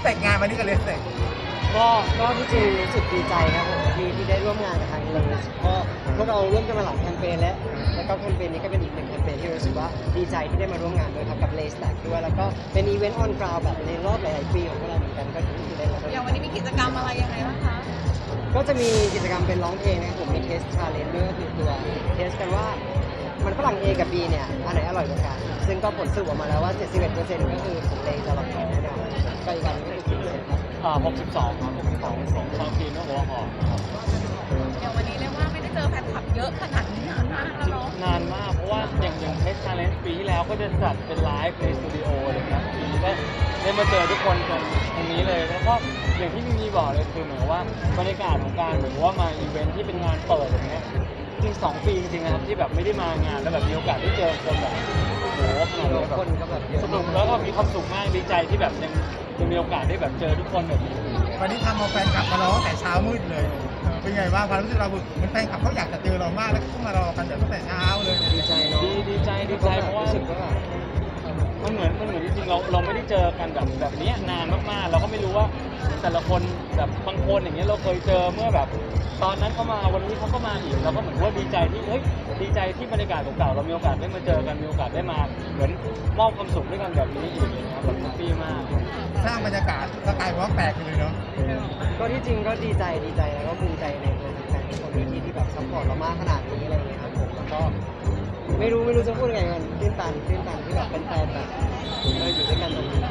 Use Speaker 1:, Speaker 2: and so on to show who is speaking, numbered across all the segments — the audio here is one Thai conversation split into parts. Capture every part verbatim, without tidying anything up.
Speaker 1: แต่งงานวันนี้ก็เลยแต่ง
Speaker 2: ก็ก็ที่จริงรู้สึกดีใจครับผมที่ที่ได้ร่วมงานกับทางเลสก็พวกเราร่วมกันมาหลายแคมเปญแล้วแล้วก็แคมเปญนี้ก็เป็นอีกหนึ่งแคมเปญที่รู้สึกว่าดีใจที่ได้มาร่วมงานด้วยครับกับเลสแตกด้วยแล้วก็เป็นอีเวนต์ออนกราวแบบในรอบหลายๆปีของพวกเราเหมือนกันก็ที่ได้มาร่วม
Speaker 3: อย่างวันนี้มีกิจกรรมอะไรยังไงบ้างคะ
Speaker 2: ก็จะมีกิจกรรมเป็นร้องเพลงนะครับผมมีเทสชาเลนจ์ด้วยก็คือตัวเทสกันว่ามันฝรั่ง A กับ B เนี่ยอันไหนอร่อยกว่ากันซึ่งก็ผลสรุปออกมาแล้วว่า เจ็ดสิบเอ็ดเปอร์เซ็นต์ ก็คือของเลจะอร่อยกว่าแน่นอนก็อีกอันก็คือกี่เปอร์เซ็นต์ครับ
Speaker 4: อ่าหกสิบสองครับหกสิบสองของชาวจีนและหัวหอมครับ
Speaker 3: อย่างวันนี้เรียกว่าไม่ได้เจอแฟนคลับเยอะขนาดนี้นานมากแล้วเนาะ
Speaker 4: นานมากเพราะว่าอย่างอย่างเทสชาเลนจ์ปีที่แล้วก็จะจัดเป็นไลฟ์ในสตูดิโอเลยนะปีนี้ก็ได้มาเจอทุกคนกันตรงนี้เลยแล้วก็อย่างที่มีมีบอกเลยคือเหมือนว่าบรรยากาศของการเหมือนว่ามาอีเวนท์ที่เป็นงานเปิดอย่างเงี้ยจริงสองปีจริงๆนะครับที่แบบไม่ได้มางานแล้วแบบมีโอกาสได้เจอคนแบบโอ้โหขนาดนี้แบบ
Speaker 2: คนก็แบบเยอะ
Speaker 4: สนุกแล้วก็มีความสุขมากดีใจที่แบบยังยังมีโอกาสได้แบบเจอทุกคนแบบนี้
Speaker 1: วันนี้ทำเอาแฟนคลับมารอตั้งแต่เช้ามืดเลยเป็นไงบ้างความรู้สึกเราเหมือนแฟนคลับเขาอยากจะเจอเรามากแล้วก็มารอกันตั้งแต่เช้าเลย
Speaker 2: ดีใจเนาะ
Speaker 4: ดีดีใจดีใจเพราะว่า
Speaker 2: รู้สึกว่า
Speaker 4: มันเหมือนมันเหมือนจริงๆเราเราไม่ได้เจอกันแบบแบบนี้นานมากๆเราก็ไม่รู้ว่าแต่ละคนแบบบางคนอย่างเงี้ยเราเคยเจอเมื่อแบบตอนนั้นเขามาวันนี้เขาก็มาอีกเราก็เหมือนว่าดีใจที่เฮ้ยดีใจที่บรรยากาศเก่าๆเรามีโอกาสได้มาเจอกันมีโอกาสได้มาเหมือนมอบความสุขด้วยกันแบบนี้อีกนะครับแบบแฮปปี้มาก
Speaker 1: สร้างบรรยากาศสกายวอล์กแตกเลยเนาะ
Speaker 2: ก็ที่จริงก็ดีใจดีใจแล้วก็ภูมิใจในตัวแฟนๆทุกคนที่ที่แบบซัพพอร์ตเรามากขนาดนี้อะไรอย่างเงี้ยครับผมแล้วก็ไม่รู้ไม่รู้จะพูดยังไงกันตื้นตันตื้นตันที่แบบเป็นแฟนแบบเราอยู่ด้วยกันตรงนี้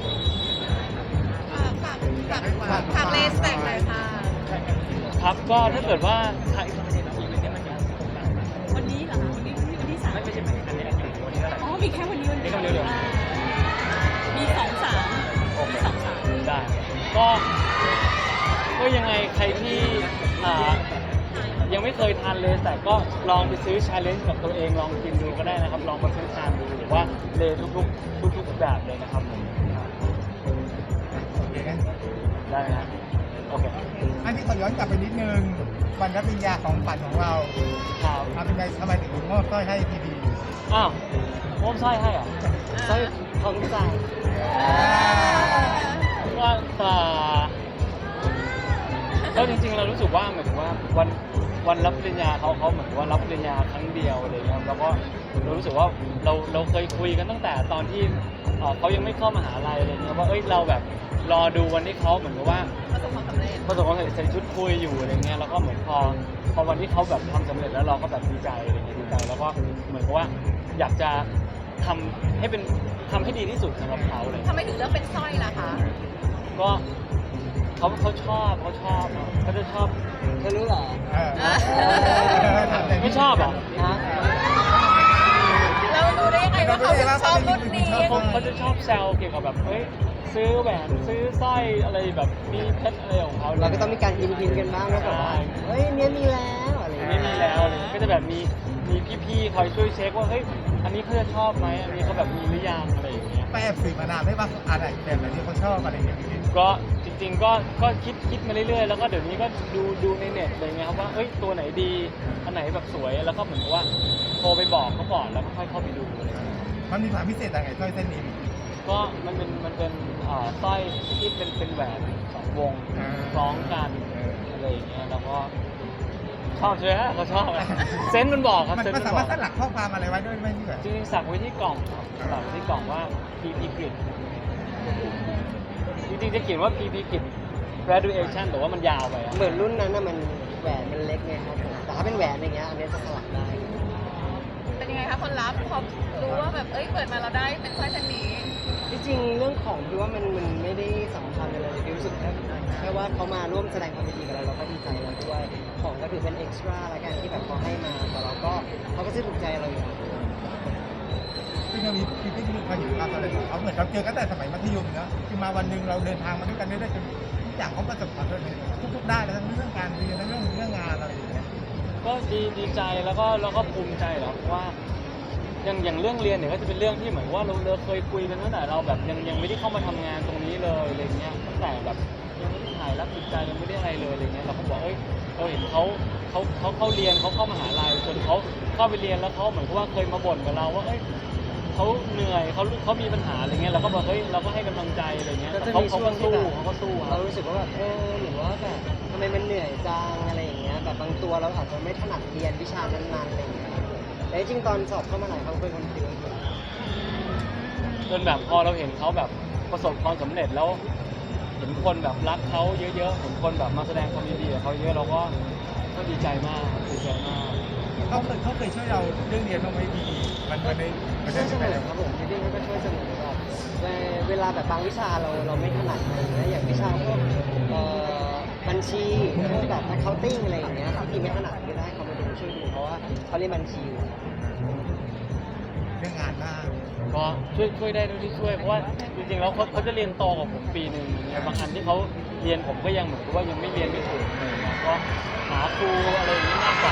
Speaker 3: ฝากฝากฝากฝากเลสแตกเลยค่ะ
Speaker 4: ครับก็ถ้าเกิดว่าใคร
Speaker 5: วันนี้เหรอคะวันนี้วันที่สาม
Speaker 4: ไม่ไม่ใช่อันนี้อันนี้วันนี้เท่าไหร่
Speaker 5: อ๋อมีแค่วันนี้วันเดียว
Speaker 4: มีแค่วันเดียว
Speaker 5: อ่ามีสองสามมีสองสาม
Speaker 4: ได้ก็ก็ยังไงใครที่อ่ายังไม่เคยทานเลยแต่ก็ลองไปซื้อชาเลนจ์กับตัวเองลองกินดูก็ได้นะครับ ลองมาซื้อทานดูหรือว่าเลยทุกๆทุกๆแบบเลยนะครับผม
Speaker 1: โอเคงั้น
Speaker 4: ได้นะโอเค
Speaker 1: อันนี้ขอย้อนกลับไปนิดนึงวันรับปริญญาของฝันของเรา
Speaker 4: ครับ
Speaker 1: ทำเป็นไงทำไมถึงมอบสร้อยให้พีพี
Speaker 4: อ้าวโอ้มสร้อยให้เหรอ
Speaker 2: สร้อยทองใจ
Speaker 4: ว่าอ่าก็จริงๆเรารู้สึกว่าเหมือนว่าวันวันรับปริญญาเขาเขาเหมือนว่ารับปริญญาครั้งเดียวอะไรเงี้ยครับแล้วก็เรารู้สึกว่าเราเราเคยคุยกันตั้งแต่ตอนที่เอ่อเขายังไม่เข้ามหาลัยอะไรเงี้ยว่าเอ้ยเราแบบรอดูวันที่เขาเหมือนกับว่า
Speaker 3: ประสบความสำเร็จ
Speaker 4: ประสบความสำเร็จใส่ชุดคุยอยู่อะไรเงี้ยแล้วก็เหมือนพอพอวันที่เขาแบบทำสำเร็จแล้วเราก็แบบดีใจอะไรเงี้ยดีใจแล้วก็เหมือนกับว่าอยากจะทำให้เป็นทำให้ดีที่สุดสำหรับเขาเลย
Speaker 3: ทำไมถึงเลือกเป็นสร้อยล่ะคะ
Speaker 4: ก็เขาเขาชอบเขาชอบอะเขาจะชอบ
Speaker 2: เธอรู้เหรอ
Speaker 1: เออถามแต่
Speaker 4: ไม่ชอบเหรอ
Speaker 2: ฮะ
Speaker 3: เราดูได้ยังไงว่าเขาถึงชอบรุ่นนี้
Speaker 4: เขาเขาจะชอบแซวเกี่ยวกับแบบเฮ้ยซื้อแหวนซื้อสร้อยอะไรแบบมีเพชรอะไรของเขา
Speaker 2: เราก็ต้องมีการพิมพ์พิมพ์กันบ้างแล้วแบบว่าเฮ้ยเนี้ยมีแล้วอะไรอย่าง
Speaker 4: ไม่
Speaker 2: เงี้ย
Speaker 4: มีแล้วอะไรเงี้ยก็จะแบบมีมีพี่ๆคอยช่วยเช็คว่าเฮ้ยอันนี้เขาจะชอบไหมอันนี้เขาแบบมีหรือยังอะไรอย่างเงี้ย
Speaker 1: ไปแอบสืบมานานได้ป่ะอะไรแบบไหนที่เขาชอบอะไรอย่างเงี้ยพี่
Speaker 4: ก็จริงๆก็ก็คิดคิดมาเรื่อยๆแล้วก็เดี๋ยวนี้ก็ดูดูในเน็ตอะไรเงี้ยครับว่าเอ้ยตัวไหนดีอันไหนแบบสวยแล้วก็เหมือนกับว่าโทรไปบอกเขาก่อนแล้วก็ค่อยเข้าไปดูอะไรเงี้ย
Speaker 1: มันมีความพิเศษอะไรสร้อยเส้นนี้
Speaker 4: ก็มันเป็นมันเป็นอ่าสร้อยที่เป็นเป็นแหวนสองวง
Speaker 1: อ่า
Speaker 4: คล้องกันอะไรอย่างเงี้ยแล้วก็ชอบใช่ไหมเขาชอบอะเซนส์มันบอกครับ
Speaker 1: มัน
Speaker 4: เซนส์
Speaker 1: มัน
Speaker 4: มัน
Speaker 1: สา
Speaker 4: บ
Speaker 1: มา
Speaker 4: อ
Speaker 1: ร
Speaker 4: ก
Speaker 1: ถสลักข้อความอะไรไว้ด้วยไหมพี่แบบ
Speaker 4: จริงๆสักไว้ที่กล่องครับสักไว้ที่กล่องว่า พี พี Grid จริงๆจะเขียนว่า พี พี Grid graduation แต่ว่ามันยาวไปอะ
Speaker 2: เหมือนรุ่นนั้นน่ะมันแหวนมันเล็กไงครับผมแต่ถ้าเป็นแหวนอย่างเงี้ยอันเนี้ยจะสลักได้
Speaker 3: เป็นยังไงคะคนรับพอรู้ว่าแบบเอ้ยเปิดมาเราได้เป็นสร้อยเส้นนี้
Speaker 2: ที่จริงเรื่องของพี่ว่ามันมันไม่ได้สำคัญอะไรเลยพี่รู้สึกแค่แค่ว่าเขามาร่วมแสดงความยินดีกับเราเราก็ดีใจแล้วด้วยของก็ถือเป็นเอ็กซ์ตร้าละกันที่แบบเขาให้มาแต่เราก็เขาก็จะถูกใจเราอยู่
Speaker 1: พี่ก็มีพี่พี่มีความเห็นความอะไรของเขาเหมือนเราเจอกันแต่สมัยมัธยมเนาะคือมาวันหนึ่งเราเดินทางมาด้วยกันได้จนทุกอย่างเขาประสบความสำเร็จทุกๆด้านเลยทั้งเรื่องการเรียนทั้งเรื่องเรื่องงานอะไรอย่างเงี้ย
Speaker 4: ก็ดีดีใจแล้วก็แล้วก็ภูมิใจแหละเพราะว่าอย่างอย่างเรื่องเรียนเนี่ยก็จะเป็นเรื่องที่เหมือนว่าเราเราเคยคุยกันตั้งแต่เราแบบยังยังไม่ได้เข้ามาทำงานตรงนี้เลยอะไรเงี้ยตั้งแต่แบบยังไม่ได้ถ่ายรับผิดใจยังไม่ได้อะไรเลยอะไรเงี้ยเราก็บอกเอ้ยเราเห็นเขาเขาเขาเขาเรียนเขาเข้ามหาลัยจนเขาเข้าไปเรียนแล้วเขาเหมือนกับว่าเคยมาบ่นกับเราว่าเอ้ยเขาเหนื่อยเขาเขามีปัญหาอะไรเงี้ยเราก็บอกเฮ้ยเราก็ให้กำลังใจอะไรเงี้ย
Speaker 2: ก็
Speaker 4: แต่
Speaker 2: จะ
Speaker 4: เขา
Speaker 2: มี
Speaker 4: เขา
Speaker 2: ช่ว
Speaker 4: ก็
Speaker 2: งที่
Speaker 4: สู้
Speaker 2: แบบ
Speaker 4: เขาก็สู้ค
Speaker 2: เรา
Speaker 4: รับ
Speaker 2: รู้สึกว่าแบบเออหรือว่าแบบทำไมมันเหนื่อยจังอะไรอย่างเงี้ยแบบบางตัวเราอาจจะไม่ถนัดเรียนวิชานั้นๆอะไรอย่างเงี้ยแต่จริงๆตอนสอบเข้ามหาลัยเขาเป็นคนคิดว่า
Speaker 4: จนแบบพอเราเห็นเขาแบบประสบความสำเร็จแล้วเห็นคนแบบรักเขาเยอะๆเห็นคนแบบมาแสดงความยินดีกับเขาเยอะเราก็ก็ดีใจมากดีใจมาก
Speaker 1: เขาเคยเขาเคยช่วยเราเรื่องเรียนบ้างไหมพี่มันมันในมัน
Speaker 2: ช่วยเสม
Speaker 1: ได้
Speaker 2: อครับผมพี่ดิ้งก็ช่วยเสมอแบบเวลาแบบบางวิชาเราเราไม่ถนัดอะไรอย่างเงี้ยอย่างวิชาพวกเอ่อบัญชีพวกแบบ accounting อะไรอย่างเงี้ยที่ไม่ถนัดก็ได้เขามาดูช่วยดูเพราะว่าเขาเรียนบัญชีอยู่
Speaker 1: เรื่องงานบ้าง
Speaker 4: ก็ช่วยช่วยได้เท่าที่ช่วยเพราะว่าจริงๆแล้วเขาเขาจะเรียนโตกว่าผมปีหนึ่งอย่างเงี้ยบางอันที่เขาเรียนผมก็ยังเหมือนกับว่ายังไม่เรียนไม่ถึงเลยนะก็หาครูอะไรอย่างนี้มากกว่า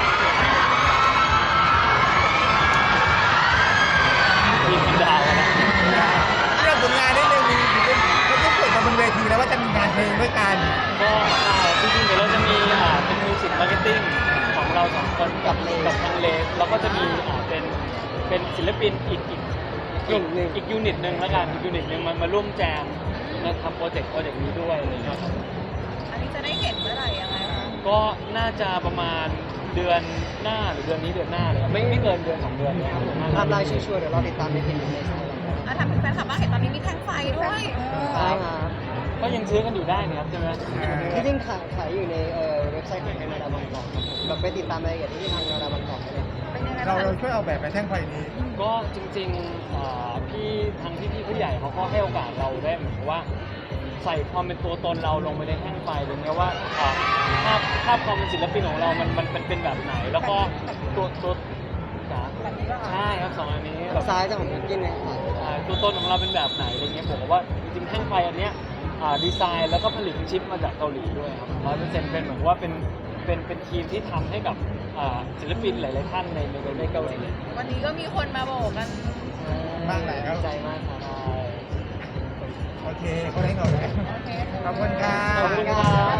Speaker 4: ทีมดาวนะ
Speaker 1: เรื่องผลงานนิดนึงมีเขาต้องเปิดมาบนเวทีแล้วว่าจะมีงานเพลงด้วยกัน
Speaker 4: ก็ใช่จริงๆเดี๋ยวเราจะมีอ่าเป็นมิวสิกมาร์เก็ตติ้งของเราสองคนกับกับทางเลสแล้วก็จะมีอ่าเป็นเป็นศิลปินอีกอีก
Speaker 2: กลุ่มหนึ่ง
Speaker 4: อีกยูนิตหนึ่งแล้วกันอีกยูนิตหนึ่งมันมาร่วมแจมมาทำโปรเจกต์โปรเจกต์นี้ด้วยอะไรอย่างเงี้ยครับ
Speaker 3: อันนี้จะได้เห็นเมื่อไหร่ยังไงคะ
Speaker 4: ก็น่าจะประมาณเดือนหน้าหรือเดือนนี้เดือนหน้าเลยครับไม่ไม่เกินเดือนสองเดือนเนะครับ
Speaker 2: ไทม์ไลน์ชัวร์ๆเดี๋ยวเราติดตามในเพจในสไตล์
Speaker 3: อ่ะถามถึงแฟนคลับบ้างเห็นตอนนี้มีแท่งไฟด้วย
Speaker 2: ใช่ครับ
Speaker 4: ก็ยังซื้อกันอยู่ได้นะครับใช่ไหม
Speaker 2: ที่จริงขายขายอยู่ในเอ่อเว็บไซต์ของทางนาดาบางกอกครับผมแบบไปติดตามรายละเอียดที่ทางนาดาบางกอกได้เลย
Speaker 3: เป็นยังไง
Speaker 1: เรา
Speaker 3: บ้าง
Speaker 1: เรา
Speaker 3: คะ
Speaker 1: ช่วยเอาแบบไปแท่งไฟนี้
Speaker 4: ก็จริงๆอ่าพี่ทางพี่พี่ผู้ใหญ่เขาก็ให้โอกาสเราได้เหมือนกับว่าใส่ความเป็นตัวตนเราลงไปในแท่งไฟเลยเนี่ยว่าอ่าภาพภาพความเป็นศิลปินของเรามันมันมันเป็นแบบไหน แล้วก็ตัวตัวจ๋าใช่ครับสองอันนี้แบบ
Speaker 2: ซ้ายจะของบิวกินเนี่ย
Speaker 4: อ่าตัวตนของเราเป็นแบบไหนอะไรเงี้ยผมว่าจริงๆแท่งไฟอันเนี้ยอ่าดีไซน์แล้วก็ผลิตชิปมาจากเกาหลีด้วยครับร้อยเปอร์เซ็นต์เป็นเหมือนว่าเป็นเป็นเป็นทีมที่ทำให้กับอ่าศิลปินหลายๆท่านในในในเกาหลี
Speaker 3: วันนี้ก็มีคนมาโบกกัน
Speaker 1: บ้างแล้ว
Speaker 2: ดีใจมากครับ
Speaker 4: ใช่
Speaker 1: โอเคเขาได้เงาแล้ว
Speaker 3: โอเค
Speaker 1: ขอบคุณครั
Speaker 2: ขอบ
Speaker 1: บ
Speaker 2: คุณครับ